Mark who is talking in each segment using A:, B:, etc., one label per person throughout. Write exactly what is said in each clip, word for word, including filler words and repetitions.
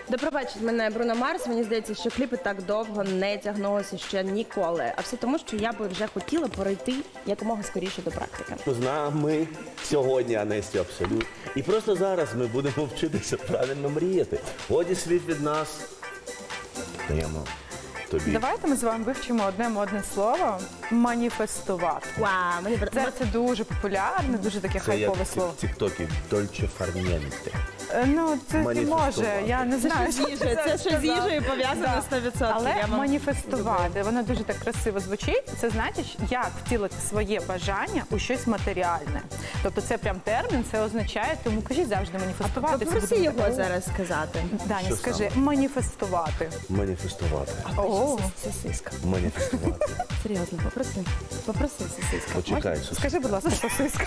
A: Де пробачить мене Бруно Марс, мені здається, що кліпи так довго не тягнулися ще ніколи. А все тому, що я би вже хотіла перейти якомога скоріше до практики.
B: З нами сьогодні Анесті Абсолют. І просто зараз ми будемо вчитися правильно мріяти. Годі слід від нас. Даємо тобі.
C: Давайте ми з вами вивчимо одне модне слово маніфестувати.
A: Вау, мені
C: Це, це дуже популярне, дуже таке
B: Це як
C: хайпове слово.
B: в тіктокі Дольче Фарнієнте.
C: Е, Ну, це не
B: Маніфестувати.
C: може, я не знаю,
A: що з їжею, це що з
C: сказати.
A: їжею пов'язано
C: Да.
A: сто відсотків.
C: Але
A: Я вам
C: маніфестувати, воно дуже так красиво звучить. Це значить, як втілити своє бажання у щось матеріальне. Тобто це прям термін, це означає, тому кажіть завжди маніфестувати. Це
A: Попроси
C: буде
A: його
C: таке,
A: зараз сказати.
C: Даня,
B: Що
C: скажи,
B: саме?
C: маніфестувати.
B: Маніфестувати.
C: О,
A: Сосиска.
B: Маніфестувати.
A: Серйозно, попроси. Попроси сосиска.
B: Почекай, Сус.
C: скажи, будь ласка, сосиска.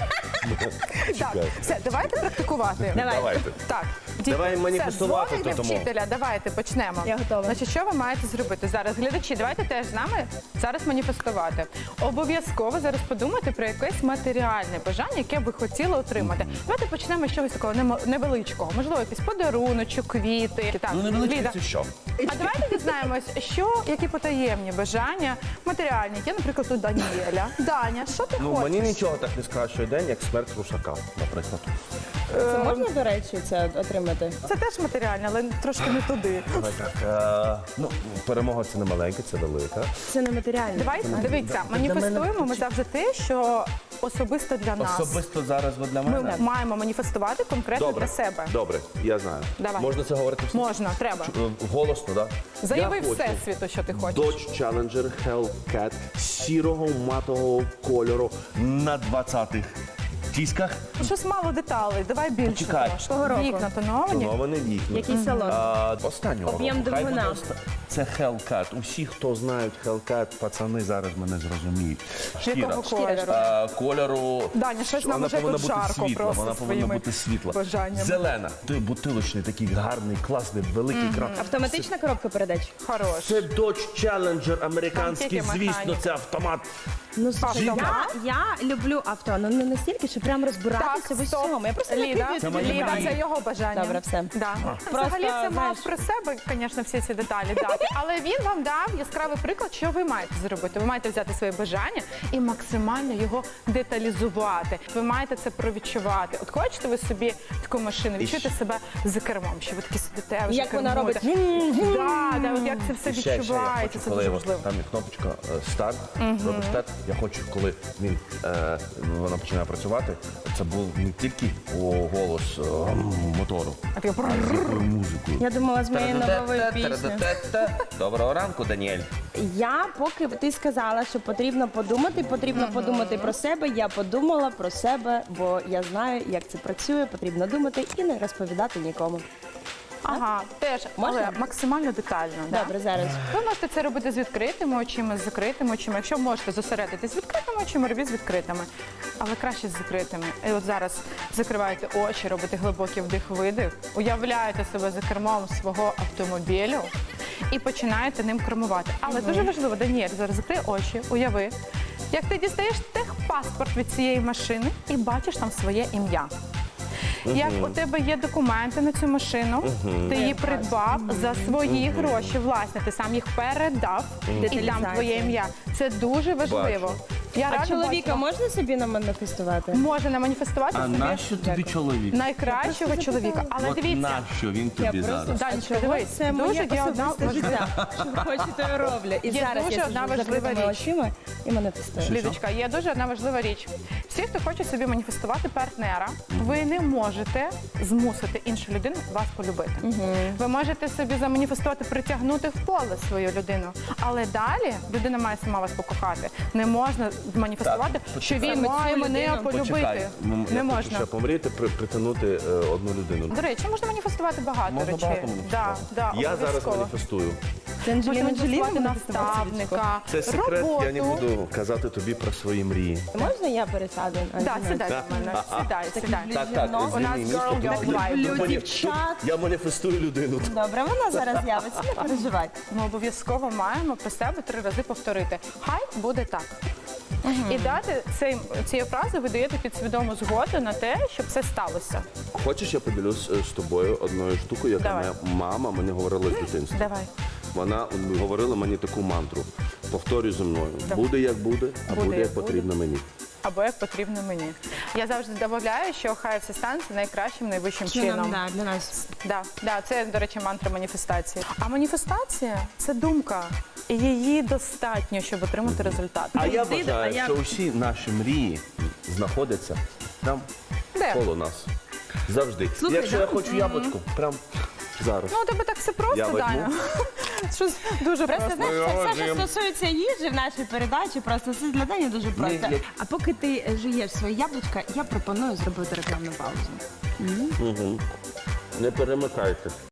C: Так,
B: Чекай.
C: все, давайте практикувати.
A: Давай.
B: Давайте.
C: Так,
B: Давай
C: все,
B: маніфестувати,
C: дзвоните
B: то тому.
C: вчителя, давайте почнемо.
A: Я готова.
C: Значить, що ви маєте зробити зараз? Глядачі, давайте теж з нами зараз маніфестувати. Обов'язково зараз подумайте про якесь матеріальне бажання, яке ви хотіли отримати. Давайте почнемо з чогось такого немо- невеличкого. Можливо, якийсь подаруночок, квіти. Так,
B: Ну, невеличке
C: Ліда.
B: це що?
C: А давайте дізнаємось, що, які потаємні бажання матеріальні. Є, наприклад, у Даніеля. Даня, що ти
B: Ну,
C: хочеш?
B: мені нічого так не скращує день, як смерть рушака, наприклад.
A: Це можна, до речі, це отримати?
C: Це теж матеріальне, але трошки не туди.
B: Давай так. е, Ну, перемога це не маленька, це велика.
A: Це не матеріально.
C: Давайте, дивіться, маніфестуємо ми завжди те, що особисто для нас.
B: Особисто зараз ви для
C: Ми
B: мене?
C: маємо маніфестувати конкретно
B: Добре,
C: для себе.
B: добре, я знаю.
C: Давай.
B: Можна це говорити всім?
C: Можна, треба.
B: Е, Голосно, так?
C: Заяви
B: Я хочу
C: всесвіту, що ти хочеш.
B: Dodge Challenger Hellcat сірого матового кольору на двадцятих дисках.
C: Щось мало деталей, давай більше.
B: Почекай.
C: трошки.
A: Кого року?
C: Вікна тоновані.
B: Тоновані вікна.
A: Який салон?
B: А, останнього
A: Об'єм
B: року. Хай
A: двигуна.
B: буде оста- Це Hellcat. Усі, хто знають Hellcat, пацани зараз мене зрозуміють. Шкіра.
C: Якого кольору?
B: А, кольору.
C: Даня, щось нам
B: Вона
C: уже
B: повинна
C: тут
B: бути
C: жарко
B: світла,
C: просто
B: вона повинна
C: своїми
B: бути світла.
C: бажаннями.
B: Зелена. Той бутилочний, такий гарний, класний, великий кран.
A: Автоматична коробка передач?
C: Хорош.
B: Це Dodge Challenger американський,
C: Там тільки
B: звісно,
C: механіка.
B: це автомат.
A: Ну, слухай,
C: Автомат?
A: я, я люблю авто, ну не настільки, що прям розбиратися
C: Так,
A: в
C: стоп.
A: усьому. Я просто
C: Ліда,
A: накидаю
B: Це
A: тобі
B: мої
C: Ліда,
B: мрії.
C: це його бажання.
A: Добре, все.
C: Да.
A: Просто,
C: Взагалі це мав
A: знаєш-
C: про себе, звісно, всі ці деталі дати. Але він вам дав яскравий приклад, що ви маєте зробити. Ви маєте взяти своє бажання і максимально його деталізувати. Ви маєте це провідчувати. От хочете ви собі таку машину, відчуєте себе за кермом, що ви такі сидите, вже
A: Як вона
C: кермуєте.
A: робить?
C: Да, да, от як це все
B: І ще, ще я
C: відчувається,
B: хочу,
C: це
B: коли
C: дуже
B: от
C: важливо.
B: там є кнопочка е, старт, робиш старт. Я хочу, коли він е, вона починає працювати, це був не тільки о, голос е, мотору,
C: А ти
B: а з якою музикою.
A: Я думала з моєю новою піснею.
B: Доброго ранку, Даніель.
A: Я, поки ти сказала, що потрібно подумати, потрібно подумати про себе, я подумала про себе, бо я знаю, як це працює, потрібно думати і не розповідати нікому.
C: Ага, теж,
A: Можна?
C: але максимально детально. да.
A: Добре, зараз.
C: Ви можете це робити з відкритими очима, з закритими очима. Якщо можете зосередитись з відкритими очима, робіть з відкритими. Але краще з закритими. І от зараз закриваєте очі, робите глибокий вдих-видих, уявляєте себе за кермом свого автомобілю і починаєте ним кермувати. Але дуже важливо, Даніель, зараз закрий очі, уяви, як ти дістаєш техпаспорт від цієї машини і бачиш там своє ім'я. Як у тебе є документи на цю машину, ти її придбав за свої гроші, власне, ти сам їх передав, і там
A: Деталізація.
C: твоє ім'я. Це дуже важливо.
B: Бачу.
C: Я
A: А
C: рада
A: чоловіка
C: бачила.
A: можна собі наманіфестувати?
C: Може наманіфестувати
B: А
C: собі
B: нащо тобі чоловік?
C: найкращого чоловіка. Але
B: От
C: дивіться,
B: нащо він тобі зараз?
C: Данечка, дивись,
A: Це
C: дуже
A: моє
C: є одна
A: особисте
C: важлива.
A: життя. Що хочу, то й роблю. І
C: Є
A: зараз
C: дуже
A: я
C: одна
A: сиджу з
C: важлива
A: закритими
C: річ.
A: очима і манифестую.
C: Лідочка, є дуже одна важлива річ. Всі, хто хоче собі маніфестувати партнера, ви не можете змусити іншу людину вас полюбити. Ви можете собі заманіфестувати, притягнути в поле свою людину. Але далі людина має сама вас покохати. Не можна маніфестувати,
B: Так,
C: що він
A: почекай.
C: має
A: Цю
C: мене
A: людину.
C: полюбити.
B: Почекай, м,
C: Не
B: я хочу
C: можна.
B: ще помріти, при- притягнути е, одну людину.
C: До речі, можна маніфестувати багато
B: Можна
C: речей.
B: багато
C: Да,
B: маніфестувати.
C: да,
B: Я зараз
C: обов'язково.
B: маніфестую.
A: Це
C: Можна
A: Анджеліна Джолі
C: маніфестувати
A: манифестувала собі
C: наставника,
B: Це секрет,
C: роботу.
B: я не буду казати тобі про свої мрії.
A: Можна я пересяду?
C: Да, сідай до мене, сідай, сідай.
B: Так, так,
C: У нас
B: звільни
C: girl
B: місто.
C: gang
B: Тут-
C: vibe.
B: тут
A: Люблю
B: мані-
A: дівчат.
B: тут Я маніфестую людину.
A: Добре, вона зараз з'явиться, не переживай.
C: Ми обов'язково маємо про себе три рази повторити. Хай буде так. І дати цей, цією фразою ви даєте підсвідому згоду на те, щоб це сталося.
B: Хочеш, я поділюсь е, з тобою одною штукою, яка
C: Давай.
B: моя мама мені говорила з дитинства.
C: Давай.
B: Вона говорила мені таку мантру. Повторюй зі мною.
C: Давай.
B: Буде як буде, а
C: Буде,
B: буде,
C: як
B: як потрібно мені.
C: Або як потрібно мені. Я завжди додаю, що хай все станеться найкращим, найвищим чином.
A: Да, для нас.
C: Да, да, це, до речі, мантра маніфестації. А маніфестація це думка. І її достатньо, щоб отримати результат.
B: А я
A: Ти- а
B: вважаю,
A: я-
B: що усі наші мрії знаходяться там,
C: Де?
B: коло нас. Завжди.
A: Слухай,
B: Якщо
A: да?
B: я хочу яблучко, прям зараз.
C: Ну, у тебе так все просто,
B: Я возьму.
C: Даня. Щось дуже
A: Просто
C: просто.
A: знаєш,
B: Ми
A: все, все, що
B: можемо.
A: стосується їжі в нашій передачі, просто це для Дані дуже просто.
B: я-
A: А поки ти е, жуєш своє яблучко, я пропоную зробити рекламну паузу.
B: Не перемикайте.